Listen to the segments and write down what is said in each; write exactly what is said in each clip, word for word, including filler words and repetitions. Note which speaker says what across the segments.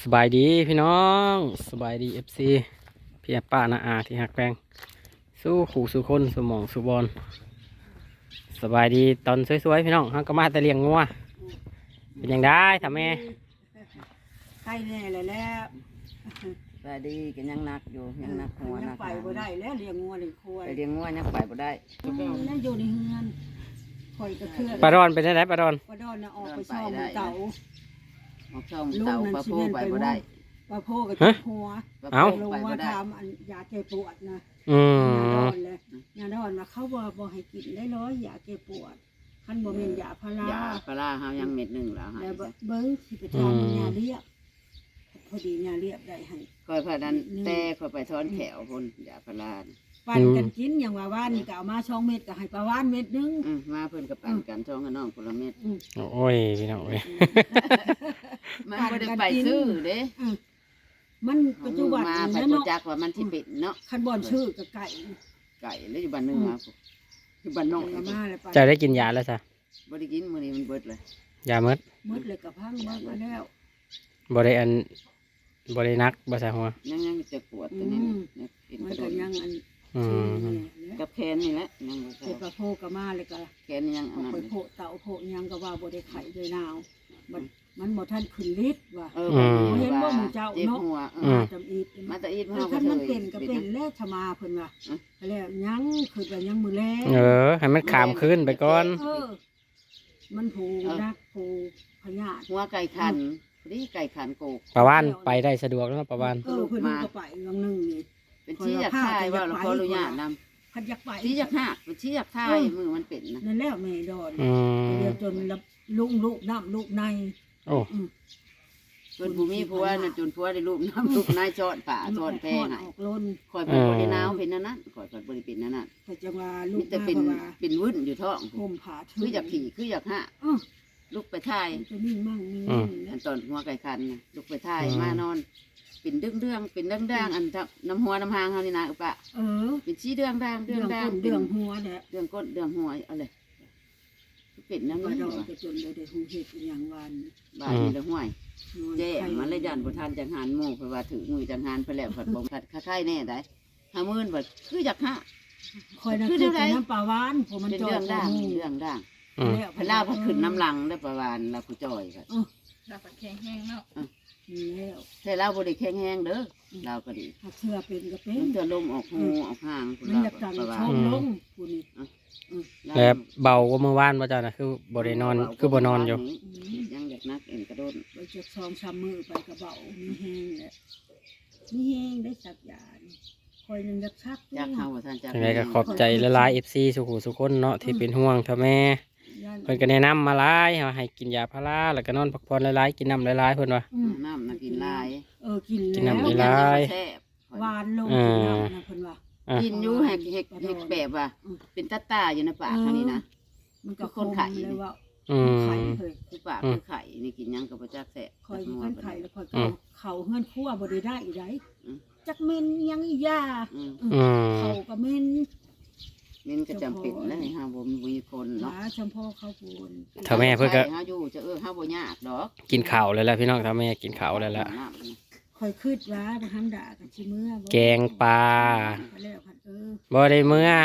Speaker 1: สบายดีพี่น้องสบายดีเอฟซีพี่ป้านาอาที่หักแปงสู้ขู่สู้คนสู้หมองสู้บอลสบายดีตอนสวยๆพี่น้องฮักก็มาแต่เลี้ยงงัวเป็นยังได้ทำแม่
Speaker 2: ใครแน่เลยแล้ว
Speaker 3: สวัสดีกันยังนักอยู่ยังนักหัว
Speaker 2: ยั
Speaker 3: นั
Speaker 2: ง
Speaker 3: ก
Speaker 2: ไปบ่ได้แล้วเลี้ยงงัวเลี้ยงควาย
Speaker 3: ไปเลี้ยงงัวยังไปบ่ได้
Speaker 2: นั่นอยู่ในเฮือนคอยกระเทือน
Speaker 1: ปลาดอนเป็นยังไงปลาดอน
Speaker 2: ปลาดอนน่ะออกไปช่องเต่า
Speaker 3: ออกช่องเต่าปลาโพไปบ่ได้
Speaker 2: ปลาโพกับจุกหัว
Speaker 1: เอ้า
Speaker 2: ลงมาทำอันยาแก้ปวดนะ
Speaker 1: อื
Speaker 2: ยาด
Speaker 1: ม
Speaker 2: อนเลยยาดอนมาเขาบ่บ่ให้กินได้ร้อยยาแก้ปวดคันบ่แม่นยาพาราย
Speaker 3: าปลาเฮายังเม็ดหนึ่งแล้วฮะ
Speaker 2: แล้วเบิ่งสิไปทำยาเรียบพอดียาเรียบได้ให้
Speaker 3: คอยพาดันแต่คอยไปทอนแขวพุ่นยาปลา
Speaker 2: ปั่นกันกินอย่างว่าว่านนี่ก็เอามาสองเม็ดก็ให้ปลาว่านเม็ดนึง
Speaker 3: อืมมาเพิ่นกับปั่นกันช่องกับน้องคนละเม็ด
Speaker 1: โอ้ยพี่น้องเอ้ย
Speaker 3: มันบ่ได้ไปซื้อเด้
Speaker 2: มันปัจจุบัน
Speaker 3: มาไป
Speaker 2: นี้
Speaker 3: บ่
Speaker 2: เนาะ
Speaker 3: จักว่ามันสิเป็นเนาะ
Speaker 2: คันบอลชื่อกับไก่
Speaker 3: ไก่แล้วอยู่บ้านนึงมาอยู่บ้านนอก
Speaker 2: ละมาเลยไป
Speaker 1: จะได้กินยาแล้วจ้ะ
Speaker 3: บ่ได้กินมื้อนี้มันเบิดเลย
Speaker 1: ยาเมด
Speaker 2: มืดเลยกับพังเบิดมาแล้ว
Speaker 1: บริอันบรินักบริษัทหัว
Speaker 3: ยังยังจะปวดตัวนี้นี่กิน
Speaker 2: มั
Speaker 3: ก
Speaker 2: น
Speaker 3: ระโด
Speaker 2: ก็
Speaker 3: ด
Speaker 2: ยังอัน
Speaker 1: อื
Speaker 2: ชื่อ
Speaker 1: ม
Speaker 2: นี่
Speaker 3: กับแขนนี่แหละยังบ่
Speaker 2: เก็บกระโพกมาเลยก็
Speaker 3: แขนยังอั
Speaker 2: เอา
Speaker 3: นนั้น
Speaker 2: ไปโพเต่าโพยังก็ว่าบ่ได้ไข่ด้วยนาวมันมันบ่ทันขึ้นฤทธิ์ว่ะ
Speaker 3: เออ
Speaker 2: เห็นว่าหมู่เจ้าเนาะ
Speaker 3: มา
Speaker 2: จำอีก
Speaker 3: มาตะอีด
Speaker 2: เอ
Speaker 3: มา
Speaker 2: อคันมันเป็นก็เป็นแล้วชมาเพิ่นว่าแล้วยังคือว่ายังมือแล
Speaker 1: เออให้มันขามขึ้นไปก่อน
Speaker 2: เออมันผูนักผูพญาธิ
Speaker 3: หัวไก่ขันพอดีไก่ขันโกก
Speaker 1: ปลาวานไปได้สะดวกแล้วปลาวาน
Speaker 2: เออเพิ่นก็ไปลองนึงนี่
Speaker 3: เป็นชี้อยากทายว่าเราขออนุญาตน
Speaker 2: พันอยากไป
Speaker 3: ำชี้อยากหักเป็นชี้อยากทายมือมันเป็นนะ
Speaker 2: นั่นแล้วแม่ดอน
Speaker 1: อืม
Speaker 2: เดี๋ยวจนลุงลูกน้ำลูกใน
Speaker 1: โอ้
Speaker 3: จนผู้มีผัวน่ะจนผัวได้ลูกน้ำลูกนายจอดป่าจอดแพง
Speaker 2: ออกล้น
Speaker 3: คอยเป็นบริณาวเป็นนั่นนั่นคอยเป็นบริเป็นนั่นนั่น
Speaker 2: ก็จะว่าลู
Speaker 3: มี
Speaker 2: ก
Speaker 3: แต่
Speaker 2: มา
Speaker 3: เป็น
Speaker 2: ว่า
Speaker 3: เป็นวุ่นอยู่ท้อง
Speaker 2: ห่มผ้า
Speaker 3: คืออยากขี่คืออยากหัก
Speaker 2: อ้อ
Speaker 3: ลูกไปทาย
Speaker 2: จะนิ่งมั่งนิ่ง
Speaker 3: อันตอนหัวไก่ขันลูกไปทายมานอนเป็นเรื่องเรื่องเป็นเรื่องด่างอันน้ำหัวน้ำหางเขานี่นะอุปะ
Speaker 2: เออ
Speaker 3: เป็นชี้เรื่องด่างเรื่
Speaker 2: เรื่
Speaker 3: อ
Speaker 2: อง ง
Speaker 3: ด่าง
Speaker 2: ก้น
Speaker 3: เป็
Speaker 2: เรื่
Speaker 3: น
Speaker 2: องหัวเนี่ย
Speaker 3: เรื่องก้นเรื่องหัวเอาเลยเป็นนั่น
Speaker 2: มา
Speaker 3: นี่
Speaker 2: ดอนก็จนเลยได้หูเห็ดอย่างวัน
Speaker 3: บ้านนี้ละห้วยแจ้มันเลยยันบุทานจังหันหมู่เพราะว่าถือมือจังหันไปแล้วผัดบ่ผัดค่าไข่แน่ได้ห้ามื่นบาทคืออยากห้า
Speaker 2: คอยนั่งคือน้ำปลาหวานผมมัน
Speaker 3: เป็น
Speaker 2: จอ
Speaker 3: เรื่
Speaker 2: ด
Speaker 3: องด่างเรื่องด่าง
Speaker 1: อืม
Speaker 3: พลาผัดขึ้นน้ำลังได้ประวานเราผู้จอยครับ
Speaker 4: เราก็แข็งแห้งเนาะ
Speaker 2: นี่แล้ว
Speaker 3: แต่เราบริแข็งแห้งเด้อเราก็ดี
Speaker 2: ถ้าเชื่อเป็นก็เป็น
Speaker 3: มันจะลมออกหูออกห่าง
Speaker 2: มันอยากจัง
Speaker 3: ประวา
Speaker 2: ช
Speaker 3: น
Speaker 2: มลงผู้นี้
Speaker 1: แล้วเบากว่าเมื่อวานว่าจ้านะคือบรินอนคือบนอนอยู่
Speaker 3: ยังอยากนักเอ็นกระโดด
Speaker 2: ไปจะซองชามมือไปกระเบามีแห้งแหละมีแห้งได้สักอย่างคอยยังอยากชัก
Speaker 3: จากเข้าท่านจาก
Speaker 1: ยังไงก็ขอบใจละลายเอฟซีสุขุสุคนเนาะที่เป็นห่วงท่าแม่เพิ่นก็แนะนำมาหลายว่าให้กินยาพาราแล้วก็นอนพักผ่อนหลายๆกินน้ำหลายๆเพิ่นว่า
Speaker 3: น้ำนักกินลาย
Speaker 2: เออกิน
Speaker 1: กิน
Speaker 2: แล้ว
Speaker 1: น้ำ
Speaker 3: ลาย
Speaker 2: หวานลงกินน้ำนะเพิ่นว่า
Speaker 1: อ่ะ
Speaker 3: กินอยู่แหกแหกแหกแบบว่าเป็นตาตาอยู่ในปากนี่นะ
Speaker 2: มันก็
Speaker 3: คนไข่
Speaker 2: เลยว่า
Speaker 1: อืม
Speaker 2: ไข่เคย
Speaker 3: คือปากคือไข่นี่กินยังกับประจักแสะ
Speaker 2: คอยมีไข่แล้วคอยก็เขาเฮือนคั่วบ่ได้ได้อีไดจักเมนยังอียา
Speaker 3: อืม
Speaker 1: อืม
Speaker 2: เขาก็เมน
Speaker 3: นี่ก็จำเป็นแล้วนี่ฮะบ่มีคน
Speaker 2: ห
Speaker 3: เนาะ
Speaker 2: ลาชมพ่อเขาพูน
Speaker 1: ท่าแม่เพิ่นก็
Speaker 3: เฮาอยู่จะเออเฮาบ่ยากดอก
Speaker 1: กินข้าวเลยแหละพี่น้องท่าแม่กินข้าวเลยละ
Speaker 2: คอยคืดว่าบ่ทำด่ากับชิเมื่อ
Speaker 1: แกงปลา
Speaker 2: ไปแล้วพันเออ
Speaker 1: บ่ได้เมื่อ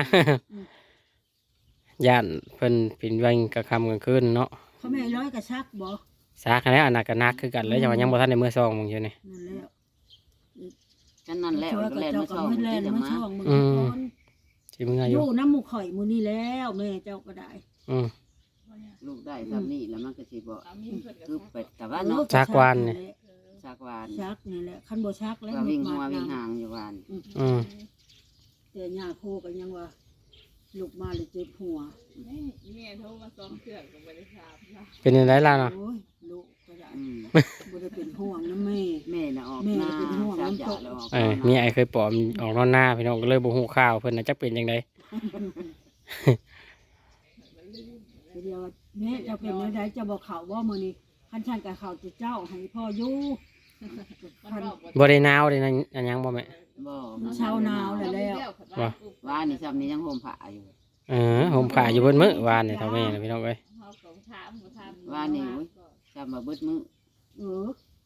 Speaker 1: ย่านเพิ่นเป็นวันกลางค่ำกลางคืนเนาะ
Speaker 2: เขาแม่ร้อยกระชักบ่
Speaker 1: ซากแล้วอันนั้นก็นักคือกันแล้วยังว่ายังบ่ทันได้มื้อซองมึงอยู่นี่
Speaker 2: นั่นแล้ว
Speaker 3: กันนั่นแหละ
Speaker 2: ช่วย
Speaker 3: ก็
Speaker 2: กับ
Speaker 3: แล่น
Speaker 2: เจ้า
Speaker 3: มา
Speaker 2: ก็
Speaker 3: ช่อง
Speaker 2: มือแล
Speaker 3: ที่
Speaker 2: น
Speaker 3: จะ
Speaker 2: มา
Speaker 3: มา
Speaker 2: ช่องมือ
Speaker 1: อืม
Speaker 2: ก่อน
Speaker 1: สิมื้ออ
Speaker 2: อยู่ ยู่น้ำหมูข่อยมือนี่แล้วแม่เจ้าก็ได้
Speaker 1: อืม
Speaker 3: ลูกได้ทำนี่แล้วมันก็สิบ่
Speaker 4: สามีเพิ่นก็
Speaker 3: คือไปแต่ว่า
Speaker 2: เออ
Speaker 3: เนาะ
Speaker 1: ชักวานนี่
Speaker 3: สักวาน
Speaker 2: ชักนี่แหละคันบ่ชักแล้ว
Speaker 3: ก็วิ่งหัว
Speaker 2: มา
Speaker 3: วิ่ง
Speaker 2: นำ
Speaker 3: หางอยู่วาน
Speaker 1: อืม
Speaker 2: แต่ย่าโคก็ยังว่าลูกมาเลยเจ็บหัว
Speaker 4: แม่แม่โทรมาซ้อมเครื่องก็บ่ได้ทราบนะ
Speaker 1: เป็นจังไดล่ะเนาะ
Speaker 2: โอ้ยลูกก็ได้
Speaker 3: อืม
Speaker 2: บ่ได้เป็นห่วงนะแม่
Speaker 3: แม่น่ะออก
Speaker 2: แม่
Speaker 3: หน้า
Speaker 2: เป็นห่วง
Speaker 3: จับ
Speaker 2: น้ำ
Speaker 3: ยา
Speaker 2: ตก
Speaker 3: แล้วออก
Speaker 1: เออมีไอ้เคยปลอมออกนอนหน้าพี่น้องก็เลยบ่ฮู้ข่าวเพิ่นน่ะจักเป็นจังได
Speaker 2: เดียวว่าแม่เจ้าเป็นเมื่อใดเจะบอกเขาว่ามื้อนี้คันฉันกับเขาจะเจ้าให้พ่ออยู่
Speaker 4: มันบอกว่า
Speaker 1: บ่ได้หนาวได้นั่นอันหยังบ่แม่
Speaker 3: บ่
Speaker 2: เช้าหนาวแล้วแล้ว
Speaker 1: ว่า
Speaker 3: วานนี่ซ้ำนี่ยังห่มผ้าอยู่
Speaker 1: เออผมขาอยู่เบิดมื้อวานนี่เท่าแม่น่ะพี่น้องเอ้ย
Speaker 4: เฮาก็ถามบ่ถาม
Speaker 3: วานนี่โอ้ยซ้ำมาเบิดมื้อ
Speaker 2: เออ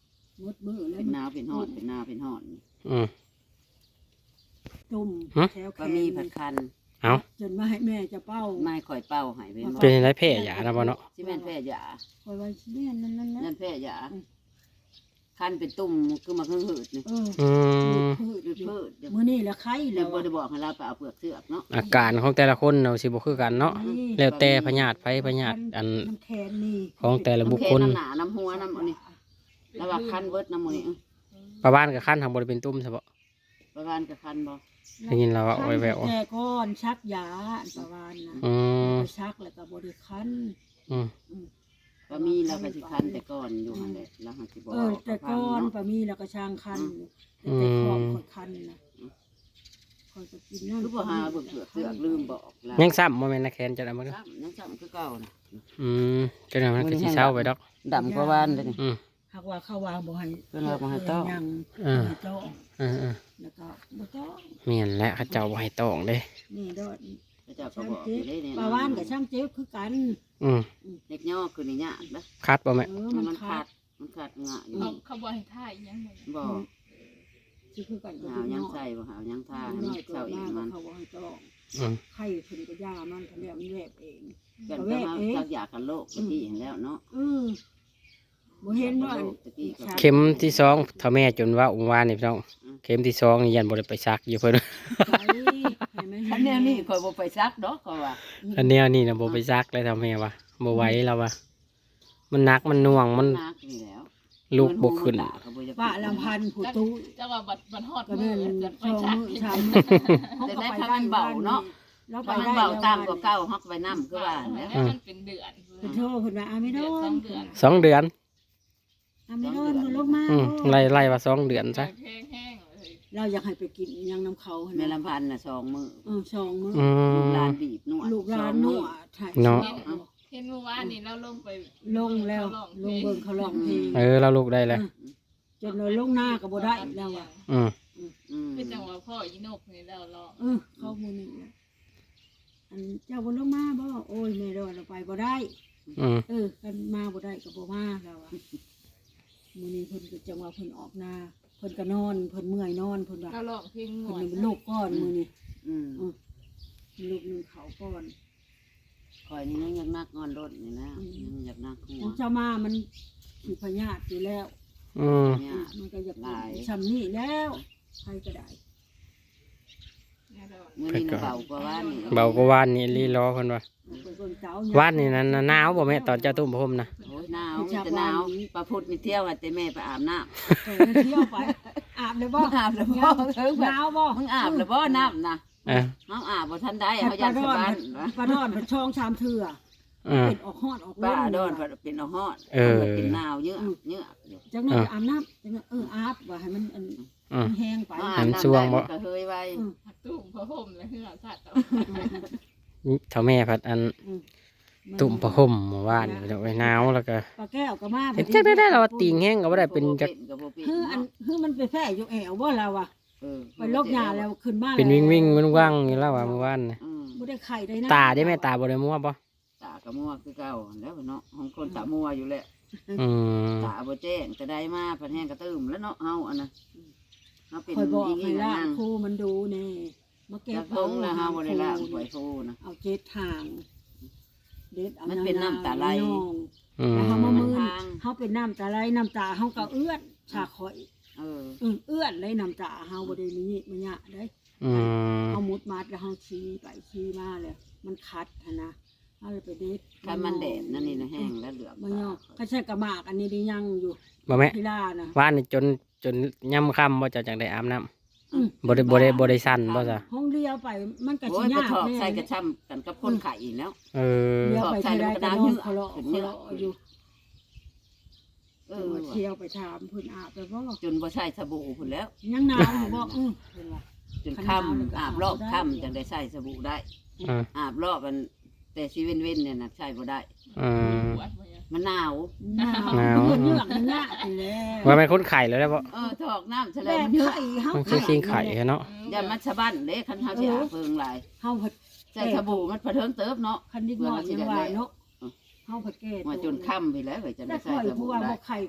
Speaker 2: มดมือแล้ว
Speaker 3: เป็นหนาวเป็นฮอดเป็นหนาวเป็นฮอด
Speaker 1: อืม
Speaker 2: ตุ่ม
Speaker 1: ฮะ
Speaker 2: แถวแข
Speaker 3: ก็
Speaker 2: น
Speaker 3: มีผัดคัน
Speaker 1: เอา
Speaker 2: จนมาให้แม่จะเป้า
Speaker 3: ไม่ข่อยเป้าให้เป็นบ่
Speaker 1: เป็นไรแพ้ยานะบ่เนาะ
Speaker 3: สิแม่นแพ้ยา
Speaker 2: คอยไว้แม่นั่นนั่น
Speaker 3: นั่
Speaker 2: นั่น
Speaker 3: นแพ้ยาคันเป็นตุ่มคือมาเพิ่งหืดนี่
Speaker 2: เออ
Speaker 1: อืม
Speaker 2: พืช
Speaker 3: หืดพืดเดี๋ยว
Speaker 2: มื้อนี้ละไข่
Speaker 3: เดี๋
Speaker 2: แล้
Speaker 3: ยว
Speaker 2: ว
Speaker 3: บ่ได้บอกให้เราไปเอาเปลือกเสือกเนาะ
Speaker 1: อาการของแต่ละคนเนาะสิบ่คือกันเนาะแล้วแต่พยาธิไผพยาธิอัน
Speaker 2: น้ำแคนนี่
Speaker 1: ของแต่ละบุคคล
Speaker 3: น้ำแขนน้ำหนาน้ำหัวน้ำอันนี้แล้วว่าคันเบิดน้ำมือนี่
Speaker 1: ประบ้านกับคันทางบ่ได้เป็นตุ่มซะบ่
Speaker 3: ประมาณกับคันบ่
Speaker 1: ได้ยินแล้วว่าโอ้ยแวว
Speaker 2: แก่ก้อนชักยาอันประวานนะ
Speaker 1: อืม
Speaker 2: ชักแล้วก็บริคัน
Speaker 1: อืม
Speaker 3: ก็มีเราก็สิคันแต่ก่อนอยู่หั่นแหละแล้วหันสิบอก
Speaker 2: เออแต่ก้อน
Speaker 3: เนาะ
Speaker 2: ปะมีแล้วก็ช่างคันแต่แต่คอมคอยคันนะคอยจะกินนั่น
Speaker 3: คือบ่หาเบิ่งเปลือกเสือกลืมบอกแล้ว
Speaker 1: ยังซ้ำบ่แม่นนะแคนจะได้บ่เด้อ
Speaker 3: ซ้ำยังซ้ำคือเก่านะ
Speaker 1: อืมจังได๋มันก็สิเศร้าไปดอก
Speaker 3: ดำกว่าหวานเลยนี่
Speaker 1: อืม
Speaker 2: หากว่าเข้าวางบ่ให้
Speaker 3: เพิ่นว่าบ่ให้ต้อ
Speaker 2: ยัง
Speaker 1: เออ
Speaker 2: ให้ต้อง
Speaker 1: เออ
Speaker 2: แล้วก็บ่ต้อง
Speaker 1: ๆแม่นแหละเขาเจ้าบ่ให้ตองเด้
Speaker 2: นี่ดอด
Speaker 3: พระเจ้าก็
Speaker 2: ช่าง
Speaker 3: บอกอ
Speaker 2: เจ๊
Speaker 3: ยู่ได้เนี่ย
Speaker 2: ปลาวานกับช่างเจ๊คือกัน
Speaker 1: อืม
Speaker 3: เด็กย่อคือนี่ยากนะ
Speaker 1: คัดบ่แม่
Speaker 2: เออ
Speaker 3: มั
Speaker 2: มัน น
Speaker 3: ขา
Speaker 2: ขา
Speaker 3: ด
Speaker 2: ด
Speaker 3: มันขาดงะอยู่
Speaker 4: เขาเขาบอกให้ท่าอีกอยังไง
Speaker 3: บอก
Speaker 2: สิคือกันกับ
Speaker 3: หาว
Speaker 2: พี่
Speaker 3: ยั
Speaker 2: น้
Speaker 3: ง
Speaker 2: อง
Speaker 3: ใส่บ่หาวยังทาให้
Speaker 2: น้
Speaker 3: มัน
Speaker 2: อยเกิ
Speaker 3: เศร้า
Speaker 2: ด
Speaker 3: อี
Speaker 2: มาก
Speaker 3: มัน
Speaker 2: เขาบอกให้ต้อง
Speaker 1: อืม
Speaker 2: ไข่เพิ่นก็ย่ามันทะเลมันแวบเอง
Speaker 3: กันก็มาสักอยากกันโลกตะกี้เห็นแล้วเนาะ
Speaker 2: เออบ่เห็นว่าอัน
Speaker 3: ตะกี้ก็
Speaker 1: เข็มที่สองเท่าแม่จนว่าองค์วานนี่พี่น้องเข็มที่สองนี่ยันบ่ได้ไปซักอยู่เพิ่น
Speaker 2: ไข่ให้มัน
Speaker 3: อันแนวนี้ข่อยบ่ไปซักดอกข่อยว่า
Speaker 1: อันแนวนี้น่ะบ่ไปซักเลยเท่าแม่ว่าบ่ไหวแล้วว่ามันหนักมันหน่วงมัน
Speaker 3: นักนี่แล้ว
Speaker 1: ลูกบ่ขึ้น
Speaker 2: ป้าลำพันธ์ผู้ตู้
Speaker 4: จังหวะบัดบัดฮอด
Speaker 2: ก็
Speaker 4: มื
Speaker 2: แม่
Speaker 4: อน จะไป
Speaker 2: ช่อง
Speaker 4: ชัก
Speaker 2: มือ
Speaker 4: อีก
Speaker 2: ชามมือ
Speaker 3: แต่ได้พากันเบาเนาะ
Speaker 2: แล้วไป
Speaker 3: พามัน
Speaker 2: ได้
Speaker 3: เบาตามกว่าเก่าฮอกไปนำคือว่าแล้ว
Speaker 4: ให้มันเป็นเดือน
Speaker 2: เป็นโทษเพิ่นว่าอาไม่โดน
Speaker 1: สองเดือน
Speaker 2: อาไม่โดนบ่ลงมา
Speaker 1: อืมไล่ไล่ว่าสองเดือนซะ
Speaker 4: แห้งแห้งๆเลย
Speaker 2: เราอยากให้ไปกินยังน้ำเขา
Speaker 3: แม่ลำพันธ์น่ะสองมื้อ
Speaker 2: เออช่องมือ
Speaker 1: อื
Speaker 3: ลูก
Speaker 1: ม
Speaker 3: หลานบีบนวด
Speaker 2: ลูกหลาน
Speaker 3: ส
Speaker 2: นั
Speaker 3: อง
Speaker 2: ว
Speaker 3: มื้อ
Speaker 2: ถ่าย
Speaker 1: เนาะ
Speaker 4: เห็นเมื่อวานนี่เราลงไป
Speaker 2: ลงแล้วลงเบิ่งเขาร้องเพลง
Speaker 1: เออเราลูกได้เลย
Speaker 2: จนเราลงหน้าก็บ่ได้แล้วอ่ะ
Speaker 1: อืม
Speaker 3: อืม
Speaker 4: คือจังหวะพ่ออีนกนี่แล้วลอง
Speaker 2: เออเข้าหมู่นี่แหละอันเจ้าบ่ลงมาบ่โอ้ยแม่โดนเราไปบ่ได้
Speaker 1: อืม
Speaker 2: เออกันมาบ่ได้ก็บ่มาแล้วอ่ะมื้อนี้เพิ่นก็จังว่าเพิ่นออกนาเพิ่นก็นอนเพิ่นเมื่อยนอนเพิ่นว่า
Speaker 4: เราลองเพลงห
Speaker 2: เพิ่
Speaker 4: น่
Speaker 2: น
Speaker 4: อย
Speaker 2: เป็นโรคก้อนมื้อนี้
Speaker 3: อืม
Speaker 2: อือลูกหนึงเขาก้อน
Speaker 3: ข่อยนี่ยังอยากนักงอนรถนี่นะยังอยากนักหั
Speaker 2: ข
Speaker 3: ว
Speaker 2: องเจ้ามามันสิพยาธิอยู่แล้ว
Speaker 1: อืม
Speaker 3: เนี่ย
Speaker 2: มันก็อยาก
Speaker 3: หลาย
Speaker 2: ชำนี่แล้วใครก็ได้
Speaker 4: เนี่ยเรา
Speaker 3: มื้อนี้น่ะเบากว่าว่านนี่
Speaker 1: เบากว่าว่านนี่ลีรอเพิ่นว่า
Speaker 2: เป็นคนเจ้า
Speaker 1: ว่านนี่นั้นน่ะหนาวบ่แม่ตอนเจ้าตุ้มพรมนะ
Speaker 3: โอ้ยหนาวมีแต่หนาวปลาพุดมีเที่ยวให้แต่แม่ไปอาบน้ำ
Speaker 2: เออเที่ยวไปอาบเลยบ่
Speaker 3: มึงอาบแล้วบ่เถิง
Speaker 2: ห
Speaker 3: แบบ
Speaker 2: นาวบ่
Speaker 3: มึงอาบแล้วบ่น้ำนะ
Speaker 1: เออ
Speaker 3: เฮาอาบบ่ทันได้เฮาอยากสบาย
Speaker 2: ปลาดอนเป็นช่องชามเถื่อ
Speaker 1: เออ
Speaker 2: เป็นออกฮอดออก
Speaker 3: ป้า
Speaker 2: เล่น
Speaker 3: ดอนเป็นเอาฮอด
Speaker 1: เออ
Speaker 3: มันเป็นหนาวเยอะเยอะ
Speaker 2: จังนั้นอาบน้ำจังนั้นเอออาบว่าให้มันอัน
Speaker 1: อืม
Speaker 2: แห้งไป
Speaker 3: อา
Speaker 1: หั
Speaker 3: บ
Speaker 1: น
Speaker 3: น้ำ
Speaker 1: ช่วงบ่
Speaker 3: ได้มันก็เฮยไว้
Speaker 4: หักตุ้มพระพรหมและเหือสัตว์
Speaker 1: เท่าแม่พัดอันตุ่มผ้าห่มเมื่อวานนี่พี่น้องไว้หนาวแล้วก็
Speaker 2: ปลาแก้วก็มา
Speaker 1: เห็นจักได้ได้เราว่าติงแห้งก็บ่ได้เป็นจัก
Speaker 3: ก็บ่เป็น
Speaker 2: คืออันคือมันไปแพ้อยู่แอวบ่เราอ่ะ
Speaker 3: เออ
Speaker 2: ไปลบยาแล้วขึ้นมา
Speaker 1: เป็นวิ่งวิ่งมันว่างอยู่แล้วว่าเมื่อวานนี่
Speaker 3: อืม
Speaker 2: บ่ได้ไข่ได้นะ
Speaker 1: ตาได้แม่ตาบ่ได้มัวบ่
Speaker 3: ตากระมัวคือเก่าแล้วเนาะของคนตามัวอยู่แหละ
Speaker 1: อืม
Speaker 3: ตาบ่แจ้งจะได้มาพันแห้งกระตื้มแล้วเนาะเฮาอันน่ะเฮาเป็น
Speaker 2: คอยบอก
Speaker 3: อี
Speaker 2: ให้
Speaker 3: ก
Speaker 2: ล่า
Speaker 3: นั่ง
Speaker 2: ครูมันดูแน่มาเก็
Speaker 3: จั
Speaker 2: บ
Speaker 3: กทงแล้วเฮาบ่ได้ละหวยฟูนะ
Speaker 2: เอาเจ็ดทาง เด็ดเอา
Speaker 3: มันเป็นน้ำตาไหล
Speaker 2: น้อง
Speaker 1: อืม
Speaker 2: แล้วเขามามือ
Speaker 3: ทาง
Speaker 2: เขาเป็นน้ำตาไหลน้ำตาเขาก็เอื้อนชาคอย
Speaker 3: เออ
Speaker 2: อือเอื้อนเลยน้ำตาเขาบ่ได้มีมันยะได้
Speaker 1: อืม
Speaker 2: เขามุดมัดแล้วเขาชี้ไปชี้มาเลยมันคัดหั้นนะเขาเลยไปเด็ด
Speaker 3: คันมันแดดนั่นนี่นะแห้งแล้วเหลือง
Speaker 2: มันยอกเขาใช้กระหมากอันนี้ได้ยังอยู่
Speaker 1: บ่แม่
Speaker 2: พิล่านะ
Speaker 1: ว่านนี่จนจนย่ำค่ำบ่เจะจังได้อาบน้ำ
Speaker 2: อืม
Speaker 1: บ่ได้บ่ได้บ่ได้สั่นบ่ซะ
Speaker 2: ห้องเลี้ยวไปมันก็
Speaker 3: โอ้
Speaker 2: สิ
Speaker 3: ยไป
Speaker 2: ยาก
Speaker 3: ถอก
Speaker 2: แน่
Speaker 3: ใส่กระช่ำกันกับคนไข่อีกแล้ว
Speaker 1: เออ
Speaker 2: เลี้ยวไปที่ไรก็นอนเคาะ
Speaker 3: ขึ้น
Speaker 2: เค
Speaker 3: เยอะ
Speaker 2: าะอยู่
Speaker 3: เอ
Speaker 2: จัง
Speaker 3: อ
Speaker 2: หวะเที่ยวไปถามเพิ่นอาบไปบ่
Speaker 3: จนบ่ใส่สบู่พุ่นแล้ว
Speaker 2: ยังหนาวอยู่บ่อือเพิ่นว่า
Speaker 3: จนค่ำอาบรอบค่ำจังได้ใส่สบู่ได้
Speaker 1: อืม
Speaker 3: อาบรอบมันแต่ชีเว้นเว้นเนี่ยนะใช่บ่ได้
Speaker 1: อืม
Speaker 4: ปวดบ่เนี่ย
Speaker 3: มันหนาว
Speaker 2: หนาว
Speaker 1: หนาว
Speaker 2: เพิ่นเยือกมันยากอยู่แล้ว
Speaker 1: ว่าเป็นคนไข่แล้วได้บ่
Speaker 3: เออถอกน้ำแฉล
Speaker 2: แบ
Speaker 3: ง
Speaker 2: บ
Speaker 3: เยอะ
Speaker 2: ไข่เฮา
Speaker 1: มันคือคิงไข่เนาะ
Speaker 3: อย่ามันสะบั้นเด้คันเฮาสิอาบเพิงหลาย
Speaker 2: เฮาผัด
Speaker 3: ใส่สบู่มันพะเทิงเติบเนาะ
Speaker 2: คันนิดหน่อยยังว่าเนาะเฮาผัดแก่
Speaker 3: มาจนค่ำไปแล้วเว้ยจะ
Speaker 2: ได้
Speaker 3: ได้ใส่
Speaker 2: ข่อย
Speaker 3: ส
Speaker 2: ผู้
Speaker 3: บู่
Speaker 2: ว่า
Speaker 3: ได้
Speaker 2: บ่ไข่กับ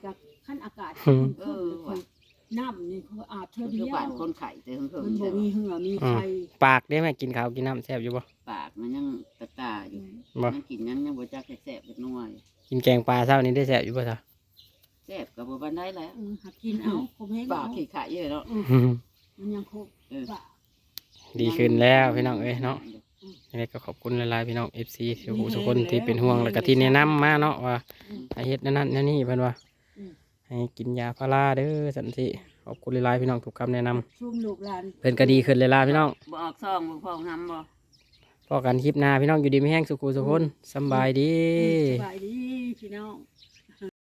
Speaker 2: ขั้นอากาศ
Speaker 1: อืม
Speaker 2: เออน้ำนี่เขาอาบเธอ
Speaker 3: มัน
Speaker 2: เดี
Speaker 3: คือ
Speaker 2: ยว
Speaker 3: บ้านคนไข่แต่เพิ่ง
Speaker 2: มันบ่
Speaker 3: ๆ
Speaker 2: มีเหือมีไข่
Speaker 1: ปากได้ไหมกินข้าวกินน้ำแซ่บอยู่บ่
Speaker 3: ปากมันยังตะตาอยู่
Speaker 1: บ่
Speaker 3: มันกินยังยังบ่จักแซ่บๆเป็นนัวอยู่
Speaker 1: กินแกงปลาเช้านี้ได้แซ่บอยู่บ่ซะ
Speaker 3: แซ่บกับบ่ปานใดแล้ว
Speaker 2: เออหักกินเอาคมแห้ง
Speaker 3: ปา
Speaker 2: เอา
Speaker 3: กขี้ขะเยอะเนาะ
Speaker 1: อืม
Speaker 2: มันยังครบ
Speaker 3: เออ
Speaker 2: ปาก
Speaker 1: ดีขึ้นแล้วพี่น้องเอ้ยเนาะยังไงก็ขอบคุณหลายๆพี่น้อง เอฟ ซี ทุกผู้ทุกคนที่เป็นห่วงแล้วก็ที่แนะนำมาเนาะว่าให้เฮ็ดนั่นนั่นนั่นนี่เพิ่นว่าให้กินยาพาราเด้อสันติขอบคุณหลายๆพี่น้องทุกคำแนะนำ
Speaker 2: ชุ่มลูกหลาน
Speaker 1: เพิ่นก็ดีขึ้นเลยล่ะพี่น้อง
Speaker 3: บ่ออกซองบ่พองหำบ่
Speaker 1: พอกันคลิปหน้าพี่น้องอยู่ดีไม่แห้งสุขุสุขคนสำบายดี
Speaker 2: สบายดีพี่น้อง